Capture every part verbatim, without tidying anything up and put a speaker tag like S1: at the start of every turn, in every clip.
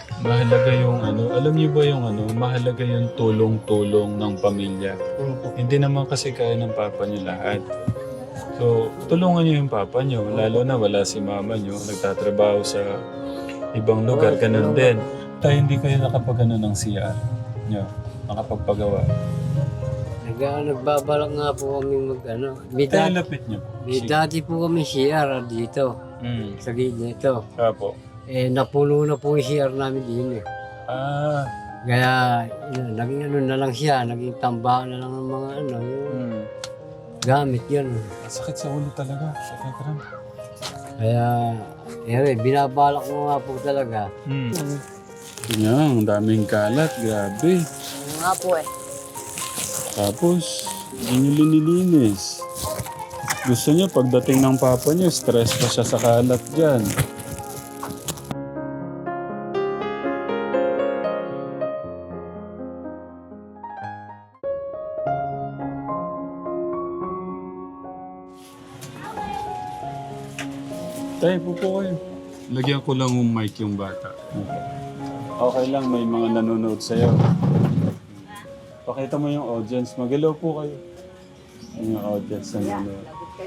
S1: Mahalaga yung ano, alam niyo ba yung ano, mahalaga yung tulong-tulong ng pamilya. Hindi naman kasi kaya ng papa niyo lahat. So, tulungan niyo yung papa niyo, lalo na wala si mama niyo, nagtatrabaho sa ibang lugar, ganun din. Tayo hindi kayo nakapagano ng C R niyo, nakapagpagawa.
S2: Nag, nagbabalak nga po kami mag ano. May,
S1: Tayo
S2: dati,
S1: lapit niyo.
S2: may dati po kami C R dito.
S1: Mm.
S2: Sa gilid nito.
S1: Apo.
S2: Eh, napuno na po yung C R namin din eh.
S1: Ah.
S2: Kaya, yun, naging ano na lang siya, naging tambahan na lang ng mga ano, yung
S1: Mm.
S2: gamit yun.
S1: Sakit sa ulo talaga. Sakit rin.
S2: Kaya, eh, binabalak ko nga po talaga.
S1: Mm. Yan, ang daming kalat. Grabe.
S3: Ano nga po eh.
S1: Tapos, hindi nyo linilinis. Gusto niya, pagdating ng papa niya, stress pa siya sa kalat dyan. Tayo, po po kayo. Lagyan ko lang yung mic yung bata. Okay lang, may mga nanonood sa'yo. Pakita mo yung audience. Mag-hello po kayo. Yung audience na nanonood.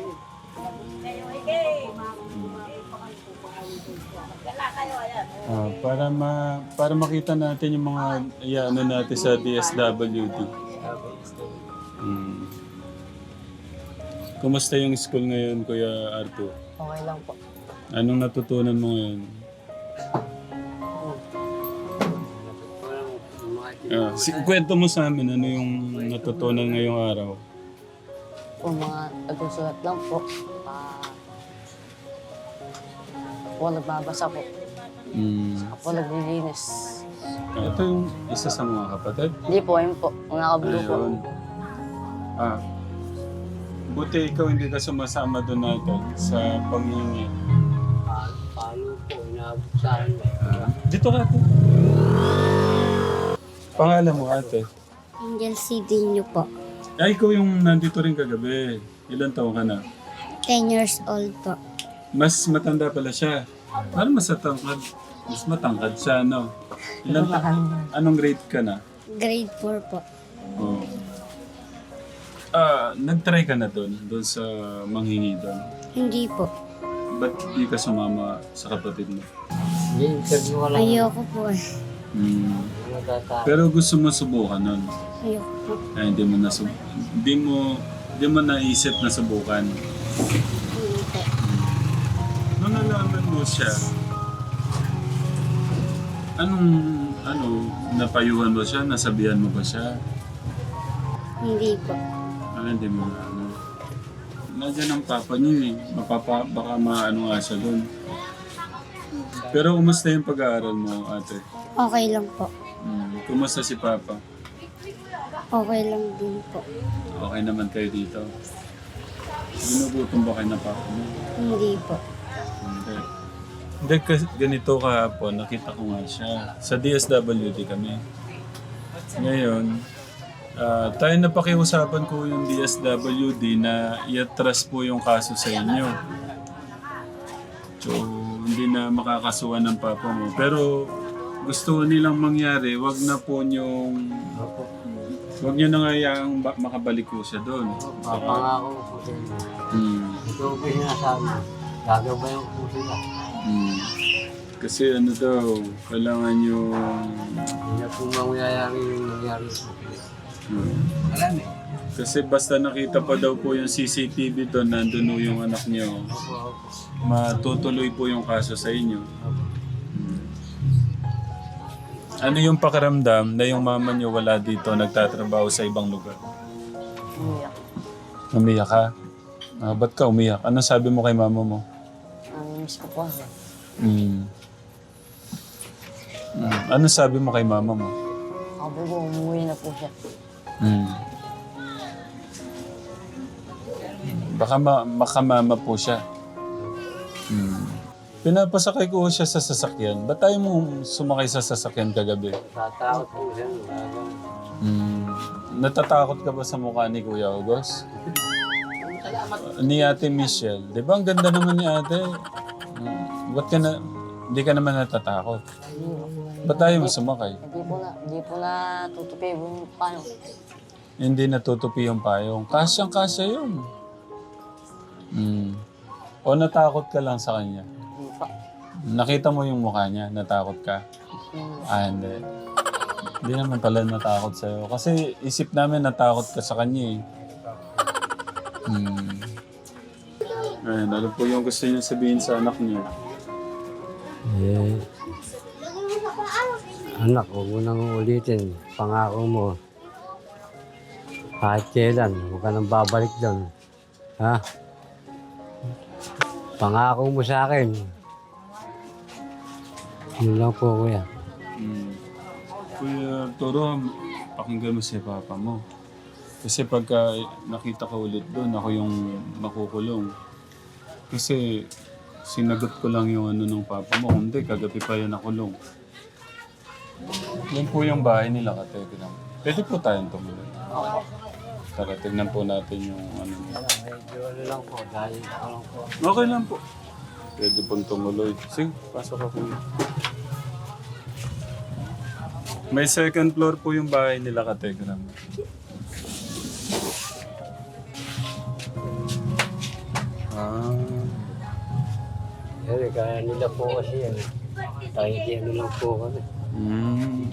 S1: Ah, para ma para makita natin yung mga iano natin sa D S W D. Hmm. Kumusta yung school ngayon, Kuya Arthur?
S3: Okay lang po.
S1: Anong natutunan mo ngayon? Ah, si, kwento mo sa amin ano yung natutunan ngayong araw.
S3: Po mga nagsusulat lang po. Ah... po nagbabasa po.
S1: Hmm.
S3: Ako naglilinis.
S1: Ah, ito yung isa sa mga kapatid.
S3: Hindi po, ayun po. Mga kablo po.
S1: Ayun. Ah, buti ikaw hindi ka sumasama doon natin sa panghingi.
S2: Paano, paano po, inaabot sa akin.
S1: Ah, dito ka ate. Pangalan mo ate?
S4: Angel Cedinho po.
S1: Ay, ikaw yung nandito rin kagabi. Ilan taon ka na?
S4: ten years old po.
S1: Mas matanda pala siya. Parang mas matangkad. Mas matangkad siya, no? Ilan ta- Anong grade ka na?
S4: Grade four po.
S1: Oh. Ah, nag-try ka na doon, doon sa manghingi doon.
S4: Hindi po.
S1: Ba't di ka sumama sa kapatid mo?
S2: Hindi, interview ko lang.
S4: Ayoko po eh.
S1: Hmm.
S2: Ano tata?
S1: Pero gusto mo subukan nun.
S4: Ayoko po.
S1: Ay, hindi mo na hindi mo hindi mo naisip na subukan.
S4: Hindi po.
S1: Nung nalaman mo siya, anong ano napayuhan mo siya, nasabihan mo ba siya?
S4: Hindi po.
S1: Ah, hindi mo na ano. Nandiyan ang papa niyo eh. Mapapa, baka maano nga siya doon. Pero kumusta yung pag-aaral mo, ate?
S4: Okay lang po.
S1: Hmm. Kumusta si papa?
S4: Okay lang din po.
S1: Okay naman kayo dito? Ginugutom ba kayo ng papa mo?
S4: Hindi po.
S1: Hindi. Hindi, kasi ganito kahapon, nakita ko nga siya. Sa D S W D kami. Ngayon, ah, tayo napakiusapan ko yung D S W D na i-atras po yung kaso sa inyo. So, hindi na makakasuhan ng papa mo. Pero, gusto nilang mangyari, wag na po yung... Wag nyo na nga yung ba- makabalik ko siya doon.
S2: Papangako po sa inyo.
S1: Hmm.
S2: Ito po yung sinasabi. Gagabayan ko po sila.
S1: Hmm. Kasi ano daw, kailangan yung...
S2: Hindi na po mangyayari yung nangyari po.
S1: Hmm.
S2: Alam eh.
S1: Kasi basta nakita pa daw po yung C C T V doon, nandun po yung anak niyo,
S2: Opo, opo.
S1: matutuloy po yung kaso sa inyo. Hmm. Ano yung pakiramdam na yung mama niyo wala dito, nagtatrabaho sa ibang lugar?
S3: Umiyak.
S1: Umiyak ka? Ah, ba't ka umiyak? Ano sabi mo kay mama mo?
S3: Ang miss ko po.
S1: Hmm. Hmm. Ano sabi mo kay mama mo?
S3: Ako po, umuwi na po siya.
S1: Hmm. Baka ma makamama po siya. Hmm. Pinapasakay ko siya sa sasakyan. Ba't tayo mo sumakay sa sasakyan kagabi?
S2: Tatakot po siya. Gagawa.
S1: Hmm. Natatakot ka ba sa mukha ni Kuya August? Ni Ate Michelle. Di ba ang ganda naman ni Ate? Hmm. Ba't ka na... Hindi ka naman natatakot. Ba't tayo mo sumakay?
S3: Hindi po na, hindi po na tutupi yung paano.
S1: Hindi natutupi yung payong. Kasyang-kasya yun. Hmm. O natakot ka lang sa kanya?
S3: Hindi pa.
S1: Nakita mo yung mukha niya, natakot ka?
S3: Hmm.
S1: Ah, hindi. Hindi naman pala natakot sa'yo. Kasi isip namin natakot ka sa kanya eh. Hmm. Ayun, ano po yung gusto niyo sabihin sa anak niyo?
S2: Eh, anak, huwag mo nang ulitin. Pangako mo. Kahit kailan, huwag ka nang babalik doon. Ha? Pangako mo sa akin. Yun lang po, kuya.
S1: Hmm. Kuya Toro, pakinggan mo si Papa mo. Kasi pagka nakita ka ulit doon, ako yung makukulong. Kasi sinagot ko lang yung ano ng Papa mo. Hindi, kagabi pa yan nakulong. Yan po yung bahay nila, Kategram. Pwede po tayong tumuloy. Tara, tignan po natin yung ano niya.
S2: Medyo ano lang po, dahil ako lang po.
S1: Okay lang po. Pwede pong tumuloy. Sige, pasok ako. May second floor po yung bahay nila, Kategram. Ah.
S2: Eh, kaya nila po kasi yan. Kahit ano lang po kami.
S1: Mm.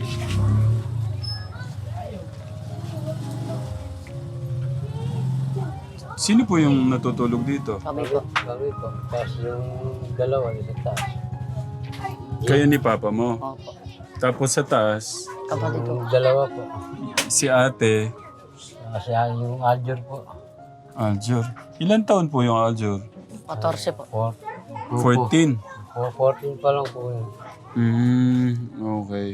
S1: Sino po yung natutulog dito?
S3: Sabi ko,
S2: Kami po. Tapos yung dalawa, isa taas.
S1: Kayo ni Papa mo.
S3: opo.
S1: Tapos sa taas,
S3: Kapatid ko.
S2: Yung dalawa po.
S1: si ate,
S2: Kasi yung Aljur po.
S1: Aljur. Ilan taon po yung Aljur?
S3: fourteen po.
S2: Four,
S1: fourteen.
S2: four, fourteen pa lang po yun.
S1: Hmm, okay.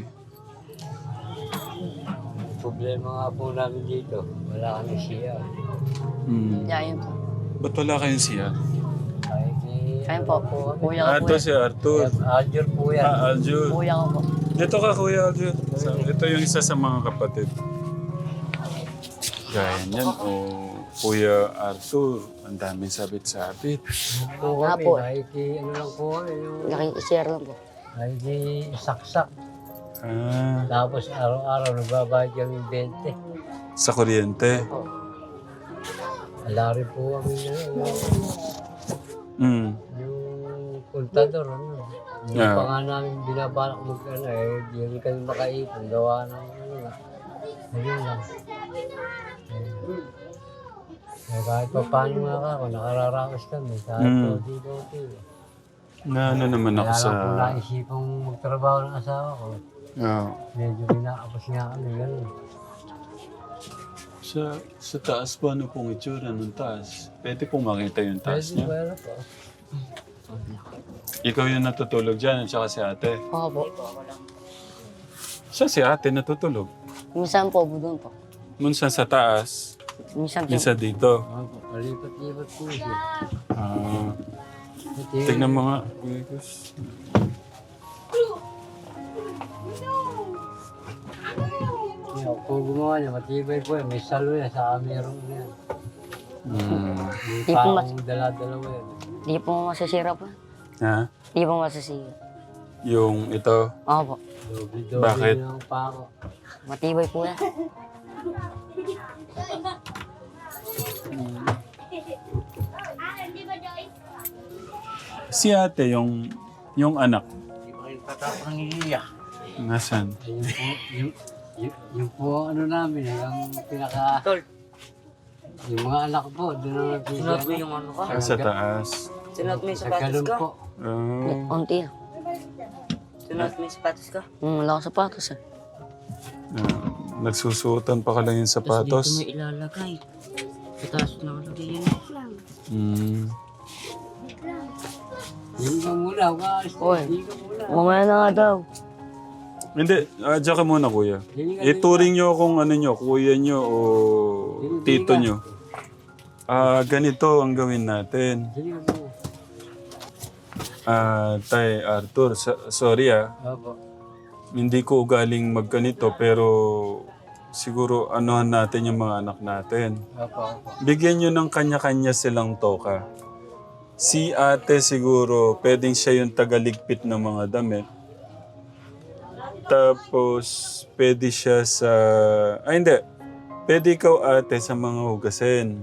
S2: Problema nga po namin dito. Wala kami siya.
S1: Hmm.
S3: Yeah, yun po.
S1: Ba't wala kayong siya?
S2: Kahit ni...
S3: Ayun po. Kuya
S1: Ah,
S3: ko po
S1: ito
S3: yan.
S1: si Arthur.
S2: Aljur po yan.
S1: Ah, Aljur.
S3: Kuya ko po.
S1: Dito ka, Kuya Aljur. Sa- Ito yung isa sa mga kapatid. Gaya niyan, o Kuya Arthur. Ang daming sabit-sabit.
S2: po
S3: Ah,
S2: kami.
S3: po.
S2: Kahit ni- ano lang po kami. Yung,
S3: Nakikishare lang po.
S2: kahit ni saksak.
S1: Ah,
S2: Tapos araw-araw nagbabayad kami twenty.
S1: sa kuryente.
S2: Ala rin po kami na yun.
S1: Hmm.
S2: Yung kontador, ano. Hindi
S1: Yeah.
S2: pa nga namin binabalak mag ano eh. Hindi rin kami makaipon. Gawa ng ano nga. Ayun lang. Ayun. Eh, kahit pa paano nga ako, nakararaos kami. Kahit
S1: Mm.
S2: po dito dito.
S1: Na ano naman ako
S2: Kaya
S1: sa...
S2: lang po naisipang magtrabaho ng asawa ko.
S1: Ah,
S2: Medyo kinakapos nga kami, gano'n.
S1: sa, sa taas po, ano pong itsura ng taas? Pwede pong makita yung taas
S2: Pwede
S1: niya.
S2: pwede po.
S1: Ikaw yung natutulog dyan at saka si ate.
S3: Opo.
S1: Siya si ate natutulog.
S3: Minsan po, doon po.
S1: Minsan sa taas,
S3: Minsan po.
S1: minsan dito.
S2: Opo, palipat-lipat po siya.
S1: Ah,
S2: Ito
S1: tignan mo nga. Kuya Gus.
S2: Yan, kung gumawa niya, matibay po yan. May salo yan sa kamerong yan.
S1: Hmm.
S2: May
S3: Di po mas-
S2: parang dala-dalawa yan.
S3: Hindi po masisira po.
S1: Ha?
S3: Hindi po masisira.
S1: Yung ito.
S3: Opo.
S2: Doble-doble
S1: Bakit?
S2: ng pako.
S3: Matibay po yan.
S1: Si ate, yung yung anak. Nasaan?
S2: Yung po, yung, yung, yung po ano namin, eh, yung pinaka... Yung mga anak po, doon na nagpipigyan.
S3: mo yung ano ka?
S1: Ah, sa taas.
S3: Sinot mo yung
S2: Sa ganun po.
S1: Ah,
S3: Unti.
S5: Sunod mo yung sapatos ka.
S3: Hmm, wala akong sapatos eh.
S1: ah, nagsusuotan pa ka lang yung
S5: Tapos dito
S1: sapatos.
S5: mo ilalagay. Sa taas na nakalagay yun.
S1: Hmm.
S2: Yung ka muna, umalis na.
S3: Oy.
S2: Hindi ka muna.
S3: Mamaya na nga daw.
S1: Hindi, ah, diyan ka muna kuya.
S2: Hindi ka
S1: Ituring nyo kung ano nyo, kuya nyo o tito nyo. Ah, ganito ang gawin natin.
S2: Hindi ka muna.
S1: Ah, Tay Arthur, sa- sorry ah.
S2: Opo.
S1: Hindi ko ugaling magganito pero siguro anuhan natin yung mga anak natin.
S2: Opo, opo.
S1: Bigyan nyo ng kanya-kanya silang toka. Si ate siguro, pwedeng siya yung tagaligpit ng mga damit. Tapos, pwede siya sa... Ay, hindi. Pwede ikaw ate sa mga hugasin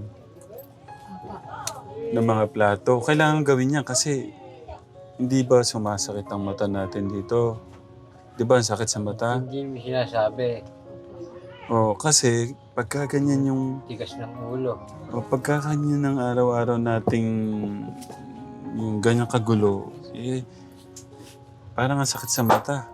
S1: ng mga plato. Kailangan gawin niya kasi hindi ba sumasakit ang mata natin dito? Di ba ang sakit sa mata?
S2: Hindi mo sinasabi.
S1: O, kasi pagka ganyan yung...
S2: Tigas ng ulo.
S1: O, pagka ganyan ng araw-araw nating yung ganyang kagulo, eh, parang ang sakit sa mata.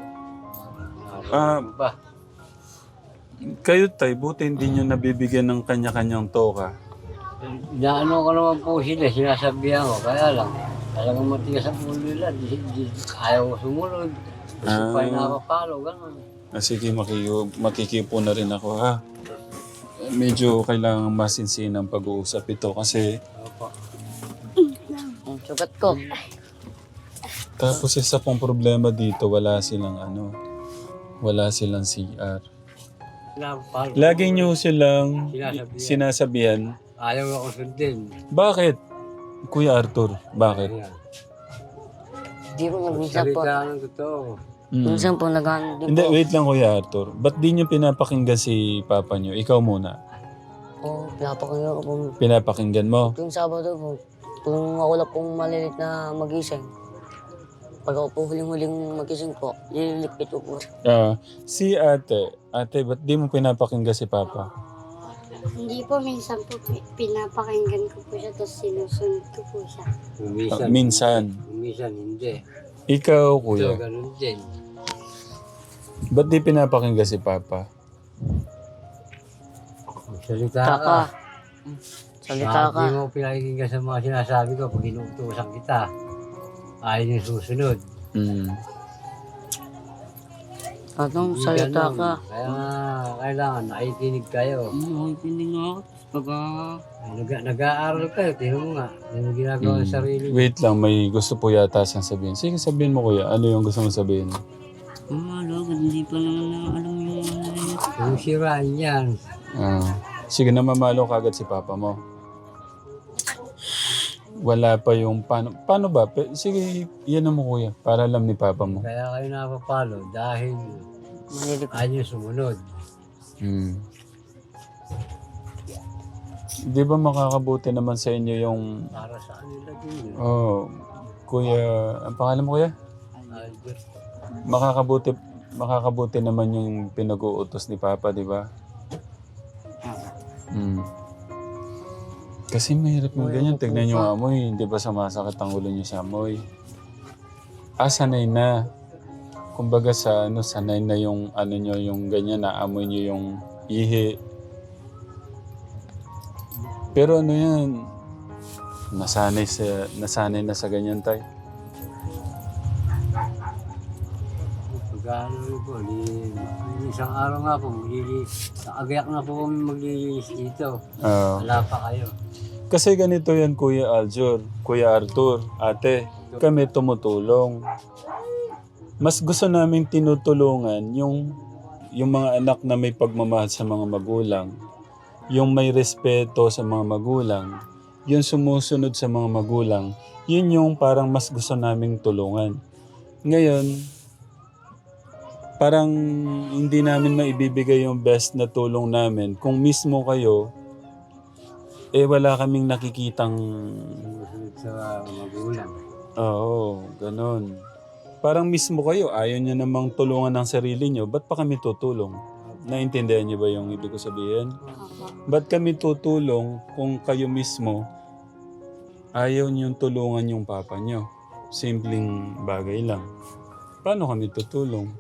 S1: Ah,
S2: Ano ba?
S1: kayo tay, buti hindi nyo nabibigyan ng kanya-kanyang toka.
S2: Inaano ko naman po sila, sinasabihan ko. Kaya lang, talagang matigas ang ulo nila. Di, di, ayaw ko sumunod. Gusto pa yung nakapalo, gano'n.
S1: Ah, sige, makiyo, makikipo na rin ako ha. Medyo kailangan masinsin ang pag-uusap ito kasi
S2: Opo.
S3: Ang sugat ko.
S1: tapos isa pong problema dito, wala silang ano, wala silang C R.
S2: Nakapalo.
S1: Lagi nyo silang
S2: Sinasabihan.
S1: sinasabihan.
S2: Ayaw ako sundin.
S1: Bakit? Kuya Arthur, bakit?
S2: Ayan.
S3: Di po minsan po.
S2: Salita ng totoo.
S1: Mm.
S3: Minsan po nag-ano din
S1: Hindi,
S3: po.
S1: wait lang Kuya Arthur. Ba't di nyo pinapakinggan si papa nyo? Ikaw muna.
S3: Oo, pinapakinggan ko po.
S1: Pinapakinggan mo.
S3: Tuwing Sabado po, kung ako lang pong malilit na magising, pag ako po huling-huling magising po, lililikpit ko po.
S1: Ah, si ate, ate, ba't di mo pinapakinggan si papa?
S4: Hindi po, minsan po pi- pinapakinggan ko po siya, tapos sinusunod ko po siya.
S2: Minsan.
S1: Ah, minsan.
S2: Minsan hindi.
S1: Ikaw,
S2: So,
S1: kuya,
S2: ganun din.
S1: ba't di pinapakinggan si papa?
S2: Salita
S3: Taka.
S2: ka.
S3: Salita ka.
S2: Hindi mo pinakikinggan sa mga sinasabi ko pag inuutusan kita. Ayaw yung susunod.
S1: Mm.
S3: Atong
S2: Hindi
S3: salita
S2: ganun.
S3: ka.
S2: Kaya nga, kailangan nakikinig kayo.
S5: Hmm, nakikinig nga ako. Pagka...
S2: Nag- nag-aaral kayo, tingnan mo nga. Ano yung ginagawa
S1: Mm.
S2: sa sarili mo.
S1: Wait lang, may gusto po yata siyang sabihin. Sige, sabihin mo kuya, ano yung gusto mo sabihin?
S5: Ah, lagad, hindi pa naman na alam yung ano na yun.
S2: Yung siraan yan.
S1: Ah, sige, namamalo kagad si papa mo. Wala pa yung paano, paano ba? Pe- Sige, yan mo kuya, para alam ni papa mo.
S2: Kaya kayo napapalo dahil
S3: Malilik.
S2: ayaw yung sumunod.
S1: Hmm. Di ba makakabuti naman sa inyo yung...
S2: Para sa kanila din yun.
S1: Oh, kuya, ang pangalan mo kuya?
S2: Albert.
S1: Makakabuti, makakabuti naman yung pinag-uutos ni papa, di ba? Hmm. Kasi mahirap yung ganyan. Tignan nyo ang amoy. Hindi ba sumasakit ang ulo nyo sa amoy? Ah, sanay na. Kumbaga sa ano, sanay na yung ano nyo, yung ganyan, naamoy nyo yung ihi. Pero ano yan, nasanay, sa, nasanay na sa ganyan tayo.
S2: Pag ano rin po, di, isang araw nga po, maglilinis. Agayak na po kami maglilinis dito.
S1: Ah.
S2: Wala pa kayo.
S1: Kasi ganito yan, Kuya Aljur, Kuya Arthur, ate, kami tumutulong. Mas gusto namin tinutulungan yung, yung mga anak na may pagmamahal sa mga magulang, yung may respeto sa mga magulang, yung sumusunod sa mga magulang, yun yung parang mas gusto naming tulungan. Ngayon, parang hindi namin maibibigay yung best na tulong namin kung mismo kayo eh wala kaming nakikitang...
S2: Sumusunod sa magulang.
S1: Oo, ganun. Parang mismo kayo, ayaw nyo namang tulungan ng sarili nyo, ba't pa kami tutulong? Naintindihan nyo ba yung ibig ko sabihin? Ba't kami tutulong kung kayo mismo ayaw nyo tulungan yung papa nyo? Simpleng bagay lang. Paano kami tutulong?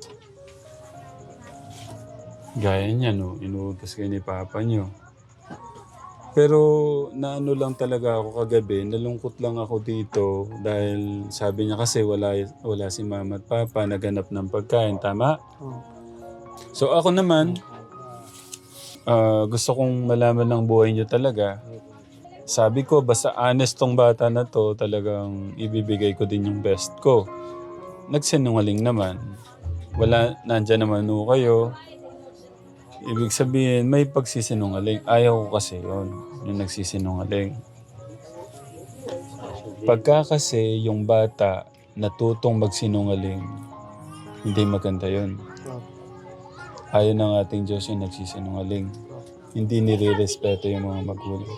S1: Gaya niya, no? Inuutos kayo ni papa nyo. Pero naano lang talaga ako kagabi, nalungkot lang ako dito dahil sabi niya kasi wala, wala si mama at papa, naghanap ng pagkain, tama? So ako naman, ah, gusto kong malaman ng buhay niyo talaga. Sabi ko, basta honest tong bata na to, talagang ibibigay ko din yung best ko. Nagsinungaling naman. Wala, nandyan naman ho kayo. Ibig sabihin, may pagsisinungaling. Ayaw ko kasi yun, yung nagsisinungaling. Pagka kasi yung bata natutong magsinungaling, hindi maganda yun.
S2: Opo.
S1: Ayaw ng ating Diyos yung nagsisinungaling. Hindi nire-respeto yung mga magulang.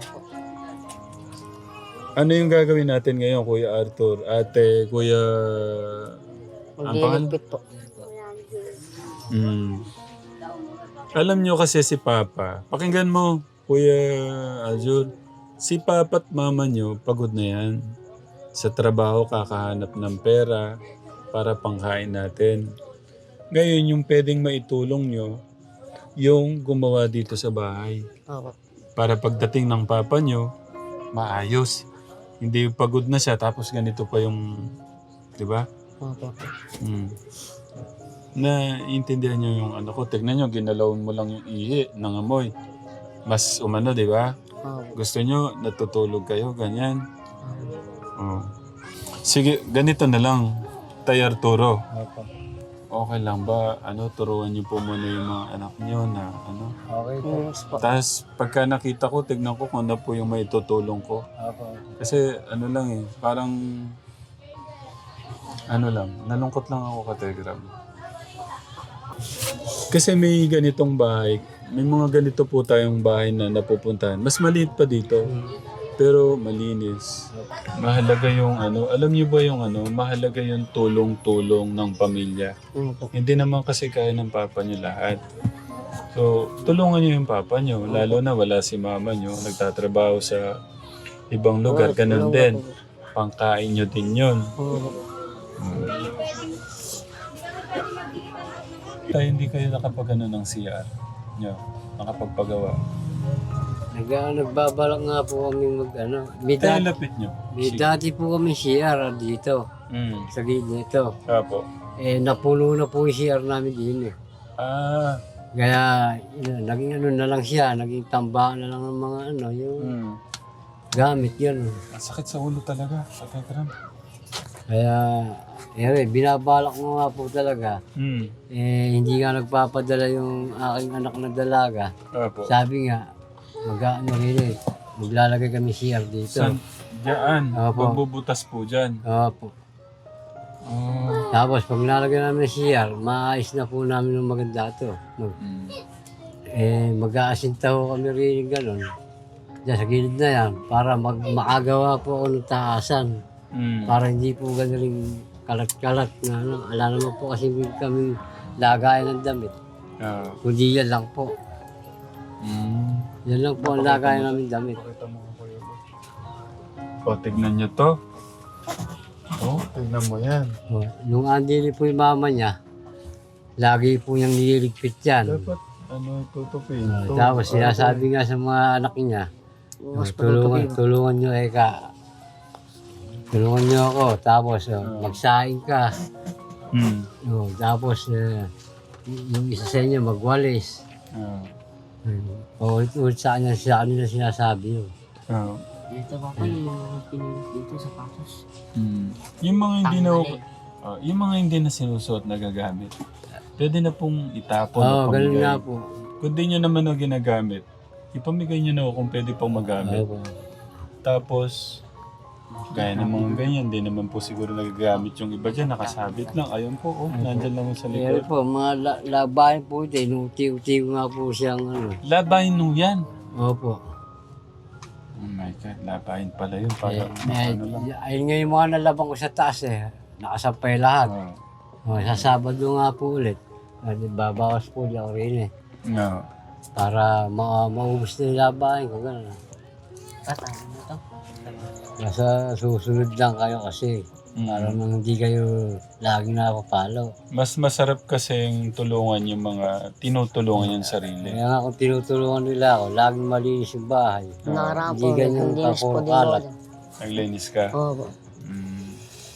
S1: Ano yung gagawin natin ngayon, Kuya Arthur? Ate, Kuya... Ang pangalan?
S3: Magliligpit po.
S1: Mm. Alam nyo kasi si Papa, pakinggan mo, Kuya Aljur, si Papa at Mama nyo, pagod na yan. Sa trabaho, kakahanap ng pera para pangkain natin. Ngayon, yung pwedeng maitulong nyo, yung gumawa dito sa bahay.
S3: Opo.
S1: Para pagdating ng Papa nyo, maayos. Hindi yung pagod na siya, tapos ganito pa yung, di ba?
S3: Opo.
S1: Mm. Na intindihan nyo yung ano ko. Tignan nyo, ginalawan mo lang yung ihi ng amoy. Mas umano, di ba?
S3: Opo.
S1: Gusto nyo, natutulog kayo, ganyan. Oh. Sige, ganito na lang. Tay Arturo.
S2: Opo.
S1: Okay lang ba? Ano, turuan nyo po muna yung mga anak nyo na ano.
S2: Okay po.
S3: Yes po.
S1: Tapos pagka nakita ko, tignan ko kung ano po yung may tutulong ko.
S2: Opo.
S1: Kasi ano lang eh, parang ano lang, nalungkot lang ako ka Telegram. Kasi may ganitong bahay, may mga ganito po tayong bahay na napupuntahan. Mas maliit pa dito, pero malinis. Mahalaga yung ano, alam niyo ba yung ano, mahalaga yung tulong-tulong ng pamilya.
S3: Opo.
S1: Hindi naman kasi kaya ng papa niyo lahat. So, tulungan niyo yung papa niyo, lalo na wala si mama niyo, nagtatrabaho sa ibang lugar, ganun din. Pangkain niyo din yun.
S3: Opo.
S1: Tayo hindi kayo nakapagano ng C R niyo, nakapagpagawa.
S2: Nag, nagbabalak nga po kami mag ano. May,
S1: Tayo
S2: dati,
S1: lapit niyo.
S2: may dati po kami C R dito.
S1: Mm.
S2: Sa gilid nito.
S1: Apo.
S2: Eh, napuno na po yung C R namin din eh.
S1: Ah.
S2: Kaya, yun, naging ano na lang siya, naging tambahan na lang ng mga ano, yung
S1: Mm.
S2: gamit yun.
S1: Ang sakit sa ulo talaga, sa Telegram.
S2: Kaya, eh, binabalak mo nga po talaga.
S1: Mm.
S2: Eh, hindi nga nagpapadala yung aking anak na dalaga.
S1: Apo.
S2: Sabi nga, mag-ano rin eh, maglalagay kami C R dito.
S1: San? Diyan.
S2: Apo.
S1: Magbubutas po dyan.
S2: Opo.
S1: Oh.
S2: Tapos, pag nalagay namin ng C R, maayos na po namin ng maganda to. Mag,
S1: Mm.
S2: eh, mag-aasinta ho kami rin yung gano'n. Diyan sa gilid na yan, para mag makagawa po ako ng taasan.
S1: Mm.
S2: Para hindi po gano'n rin kalat-kalat na ano. Ala naman po kasi kami lagayan ng damit.
S1: Ah.
S2: Kundi yan lang po.
S1: Mm.
S2: Yan lang po ang lagayan namin damit.
S1: Pakita mo ako yun. O, tignan nyo to. Oh, tignan mo yan.
S2: O, nung andili po yung mama niya, lagi po niyang nililigpit yan.
S1: Dapat, ano, tutupin.
S2: O, tapos sinasabi nga sa mga anak niya, o,
S3: Mas
S2: tulungan,
S3: patutupin.
S2: tulungan niyo eka. Tulungan niyo ako. Tapos o, magsaing ka.
S1: Mm.
S2: O, tapos eh, y- yung isa sa inyo magwalis.
S1: Ah.
S2: O, ulit sa kanya sa kanila sinasabi yun.
S1: Ah.
S3: Dito pa pa yung mga pinulit dito sa pasos.
S1: Mm. Yung mga hindi na ah, yung mga hindi na sinusuot na gagamit. Pwede na pong itapon
S2: Oo,
S1: o
S2: ganun
S1: pamigay.
S2: nga po.
S1: Kung di nyo naman na ginagamit, ipamigay nyo na o kung pwede pong magamit.
S2: Opo.
S1: Tapos, gaya ng mga ganyan, di naman po siguro nagagamit yung iba dyan, nakasabit lang. Ayun po, oh, nandyan lang sa
S2: Pero
S1: likod.
S2: po, mga la- labahin po ito, inuti-uti ko nga po siyang ano.
S1: Labahin nyo yan.
S2: Opo.
S1: Oh my God, labahin pala yun. Para,
S2: Eh, eh,
S1: ano lang.
S2: ayun nga yung mga nalabang ko sa taas eh. Nakasampay lahat.
S1: Oh.
S2: O, sa Sabado nga po ulit. At babawas po di ako rin eh.
S1: No.
S2: Para ma maubos na yung labahin ko. Ganun.
S3: Katay mo to.
S2: Nasa susunod lang kayo kasi.
S1: Mm.
S2: Para nang hindi kayo laging nakapapalo.
S1: Mas masarap kasing tulungan yung mga tinutulungan yung sarili.
S2: Kaya nga kung tinutulungan nila ako, laging malinis yung bahay.
S3: Nakaraan
S2: Hindi
S3: po,
S2: ganyan
S3: nagkundinis po
S2: kapuro
S3: din
S2: kalat.
S3: ako.
S1: Naglinis ka.
S3: Opo.
S1: Mm.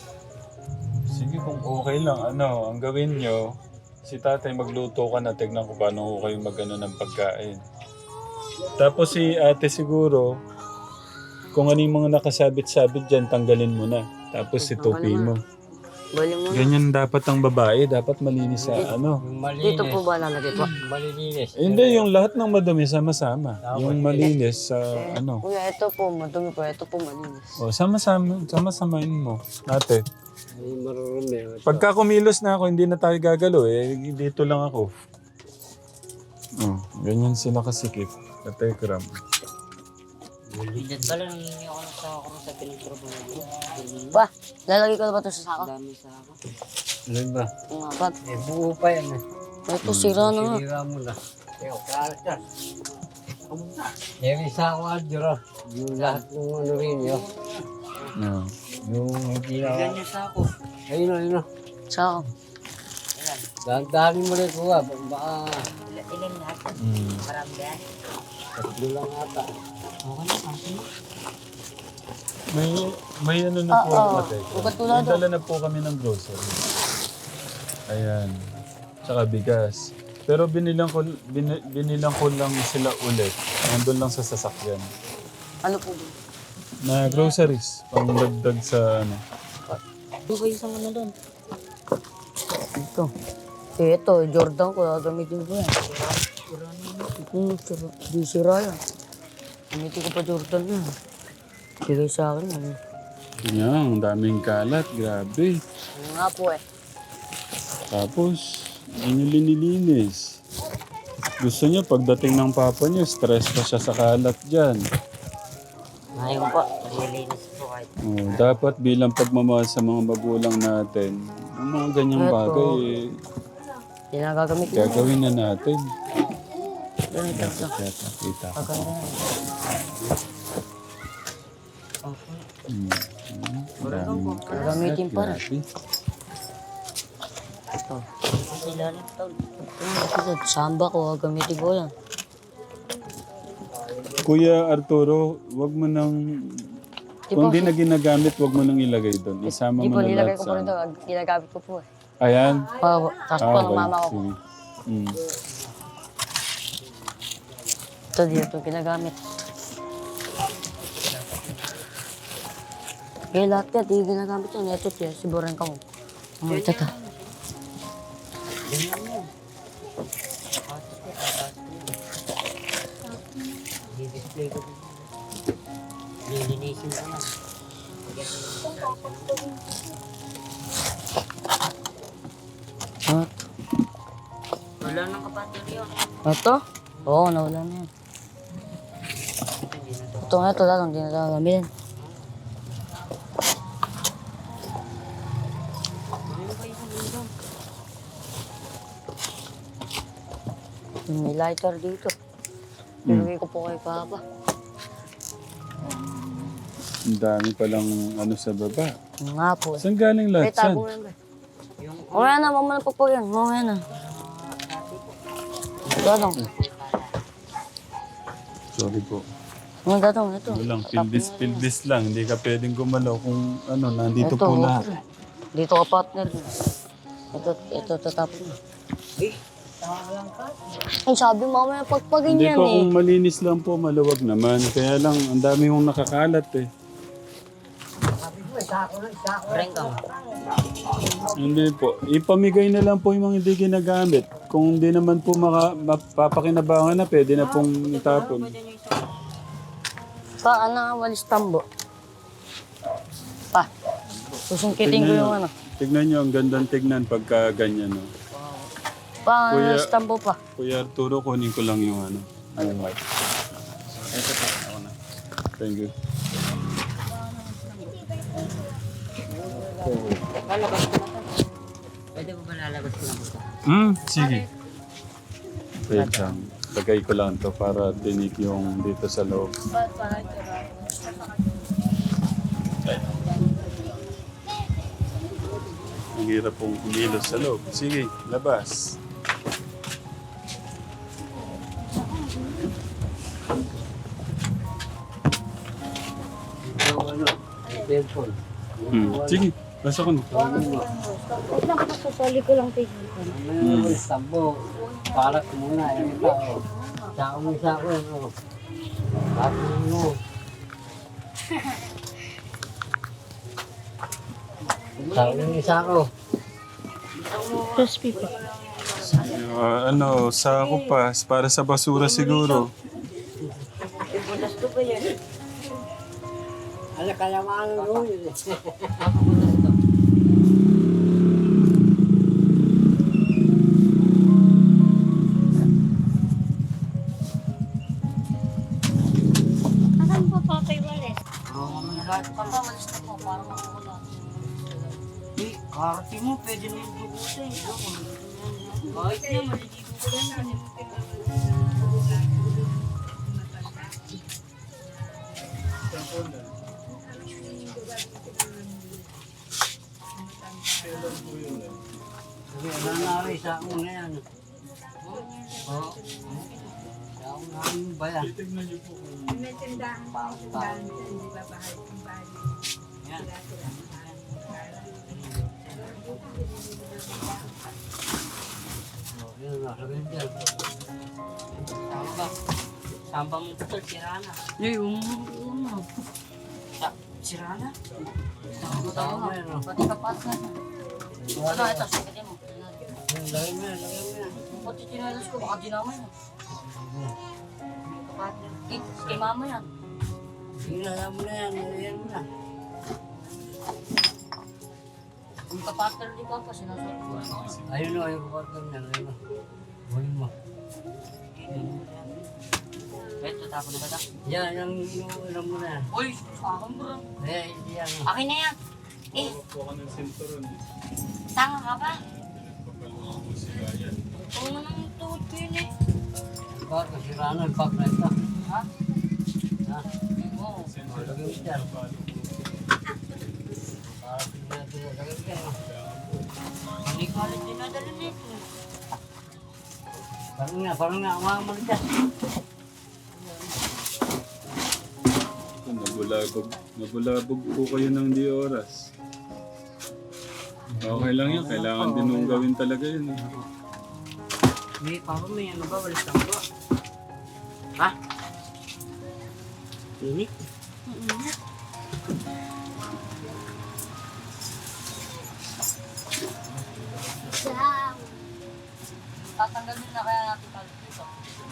S1: Sige, kung okay lang, ano, ang gawin nyo, si tatay magluto ka na, tignan ko paano ko kayo magano ng pagkain. Tapos si ate siguro, kung ano yung mga nakasabit-sabit dyan, tanggalin mo na. Tapos si tupi mo.
S3: Bali mo.
S1: Ganyan dapat ang babae. Dapat malinis sa ano.
S2: Yung malinis.
S3: Dito po ba lalagay po?
S2: Malilinis.
S1: Eh, hindi, yung lahat ng madumi sama-sama. Yung malinis sa ano.
S3: Kuya, ito po, madumi po. Ito po malinis.
S1: O, sama-sama, sama-samain mo. Ate.
S2: Ay, marurumi.
S1: Pagka kumilos na ako, hindi na tayo gagalo eh. Dito lang ako. Oh, ganyan sila kasikip. Katekram.
S5: Hindi pala nangingi ako ng sako sa pinagtrabaho ko.
S3: Pa, lalagay ko na ba ito sa sako?
S5: Dami sako.
S2: Ano ba?
S3: Yung apat.
S2: Eh, buo pa yan eh.
S3: Ito, sira na nga.
S2: Sinira mo na. Eyo, karat yan. Yung isa ko, Adjura. Yung lahat ng ano rin yun.
S1: No.
S2: Yung hindi na...
S5: Ganyan sako.
S2: Ayun na, ayun na.
S3: Sako.
S2: Dahan-dahanin mo rin ko ba? Baka
S5: Ilan lahat?
S1: Mm.
S5: Marami yan.
S2: tatlo lang ata.
S5: Okay na, okay.
S1: May, may ano na po
S3: Oo,
S1: ako,
S3: oo.
S1: Katekram.
S3: Ugat tulad,
S1: May dala na po kami ng grocery. Ayan. Tsaka bigas. Pero binilang ko, bin, binilang ko lang sila ulit. Nandun lang sa sasakyan.
S3: Ano po ba?
S1: Na groceries. Pangdagdag sa ano.
S3: Ano kayo sa ano doon? Ito. Eh, ito, Jordan ko, gagamitin ko yan. Hmm, sira. Di sira yan. Gamitin ko pa Jordan yan. Bigay sa akin yan.
S1: Yan, ang daming kalat. Grabe.
S3: Ano nga po eh.
S1: Tapos, hindi niyo linilinis. Gusto niya pagdating ng papa niyo, stress pa siya sa kalat dyan.
S3: Ngayon pa.
S5: Nililinis po kahit.
S1: Oh, dapat bilang pagmamahal sa mga magulang natin, ang mga ganyang
S3: Eto.
S1: bagay, eh,
S3: Yan ang gagamit ko.
S1: gagawin na natin.
S3: Yan, ito, ito.
S1: Kita, kita ko.
S3: Pagkanda yan.
S1: Hmm. Hmm. Daming kalat.
S3: Gagamitin pa rin.
S1: Grabe.
S3: Ito.
S5: Sila lang tol.
S3: Ito, samba ko, gagamitin ko yan.
S1: Kuya Arturo, wag mo nang...
S3: Di
S1: Kung
S3: po,
S1: di na ginagamit, wag mo nang ilagay doon. Isama
S3: Di
S1: mo
S3: po,
S1: na
S3: nilagay
S1: lahat
S3: ko
S1: sa...
S3: po rin ito. Ginagamit ko po eh.
S1: Ayan.
S3: Pa, tapos po ng mama ko.
S1: sige. Hmm.
S3: Ito dito, ginagamit. Kaya lahat yan, di ginagamit yan. Ito siya, siburan ka mo. Oh, ito ito.
S5: I-display ko din. Nililinisin ko na.
S3: Ah,
S5: Wala nang kapatid yun.
S3: ito? Oo, nawala na yan. Ito nga, ito lang, hindi na tayo gamitin. May lighter dito. Nilagay ko po kay Papa.
S1: Ang dami palang ano sa baba.
S3: Yung nga po.
S1: Saan galing
S3: May
S1: lahat? Saan?
S3: tago yan ba? Mamaya na, mamaya na po po yan. Mamaya na. Dadong.
S1: Sorry po.
S3: Mga dadong, ito.
S1: Walang pildis-pildis lang. Hindi ka pwedeng gumalaw kung ano, nandito
S3: Ito,
S1: po
S3: okay.
S1: lahat.
S3: Dito ka partner. Ito, ito, tatapon mo. Ang sabi mamaya
S1: Hindi
S3: pagpaganyan
S1: po,
S3: eh.
S1: kung malinis lang po, maluwag naman. Kaya lang, ang dami kong nakakalat eh.
S5: Rengkang.
S1: Hindi po. Ipamigay na lang po yung mga hindi ginagamit. Kung hindi naman po maka, mapapakinabangan na, pwede na pong itapon.
S3: Pa, ano nga, walis tambo. Pa, susungkitin ko
S1: Tignan
S3: yung
S1: nyo.
S3: ano.
S1: Tignan nyo, ang gandang tignan pagka ganyan. No?
S3: Pa,
S1: Kuya-
S3: walis tambo pa.
S1: Kuya Arturo, kunin ko lang yung ano. Yung white. Ito po, ako na. Thank you.
S5: Lalabas ko na to. Pwede mo ba lalabas ko na ito?
S1: Hmm, sige. Wait lang. Lagay ko lang to para tinik yung dito sa loob. Ang hirap pong kumilos sa loob. Sige, labas.
S2: Yung ano, cellphone.
S1: Hmm. Sige, basta ko na.
S4: Wait lang, pasasali ko lang tayo.
S2: Ano yung tambo? Parat muna, yung tao. Sako mo sako, ano. Tapos mo. Sa yung isa ko.
S3: Crispy po.
S1: Ah, ano, sako pa. Para sa basura siguro.
S2: Ano kaya maano yun eh.
S4: Asan po Papay Walis?
S5: Oo, mga lahat pa pa, malis na po, para makakula. Eh, karti mo, pwede na yung dugutin. Kahit na, maliligo ko lang yan.
S2: Sabi, ano na rin, sa una yan. Oo. Sa una namin ba yan?
S1: Titignan niyo po kung...
S6: May tindahan pa yung tindahan dyan, di ba? Bahay yung bahay.
S2: Yan. Oh, yun, nasa ganyan.
S5: Samba. Samba mo ito, sira na.
S3: Ay, um, um,
S5: Sa- Sira na?
S2: Tama yan, oh.
S5: Pati kapat na. Ano, ito, sikatin mo.
S2: Yan, lagay mo yan, lagay mo yan.
S5: Pati tinalas ko, baka dinamay na. Kapat na. Eh, kay mama yan.
S2: Sige, alam mo na yan, lagyan mo na.
S5: Yung kapater di pa pa, sinasot ko.
S2: Ayun o, yung partner niya, ayun o. Huwin mo.
S5: Ito, tapon na ba ito?
S2: Yan, yung, yung alam mo na yan.
S5: Uy, akin bro.
S2: Eh, hindi yan.
S5: Akin na yan. Eh,
S1: Kuha ka ng sinturon.
S5: tanga ka pa.
S1: Papalungan mo sila yan.
S5: Oo nang tuod ko yun eh.
S2: Bakit masira na, yung pack na ito.
S5: Ha?
S2: Ha?
S5: Oo.
S2: O, lagay mo dyan. Para pinagin natin, lagay mo dyan. o.
S5: Hindi ko alam dinadala nito.
S2: Parang nga, parang nga, umaman mo dyan.
S1: Ito, nabulabog. Nabulabog po kayo ng di oras. Okay lang yan. Kailangan din nung gawin talaga yun. Eh.
S5: May papa, may ano ba? Walis lang ba? Ha? Init?
S4: Sa...
S5: Tatanggalin na kaya natin tayo dito.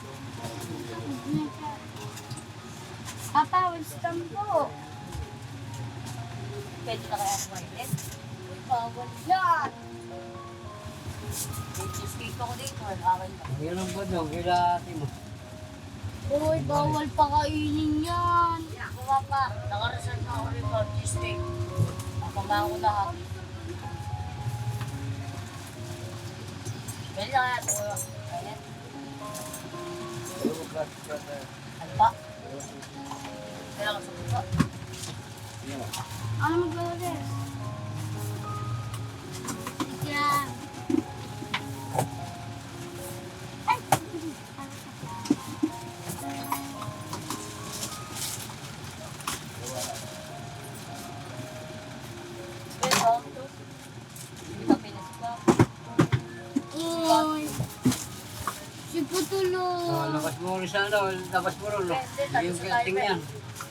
S4: Papa, wisdom po.
S5: Pwede na kaya kumainit?
S4: Uy, bawal yan.
S5: May cheesecake ako dito. Akin ba?
S2: Yan ang ba daw, kila ate mo.
S4: Uy, bawal pa kainin yan.
S5: Ako nga pa. Nakareserve na ako rin for cheesecake. Napamahan ko lahat. Pwede na kaya ito ko. Kainit? Ano pa? Kailangan sa puso.
S4: Ano mag-alas? Yan.
S5: Pwede ba? Hindi ka pinasok.
S4: Uy. Si
S2: So,
S4: Putulog.
S2: labas mo ulit sa ano, labas mo rin.
S5: Pwede, tayo
S2: Yung
S5: sa
S2: gating
S5: timer.
S2: yan.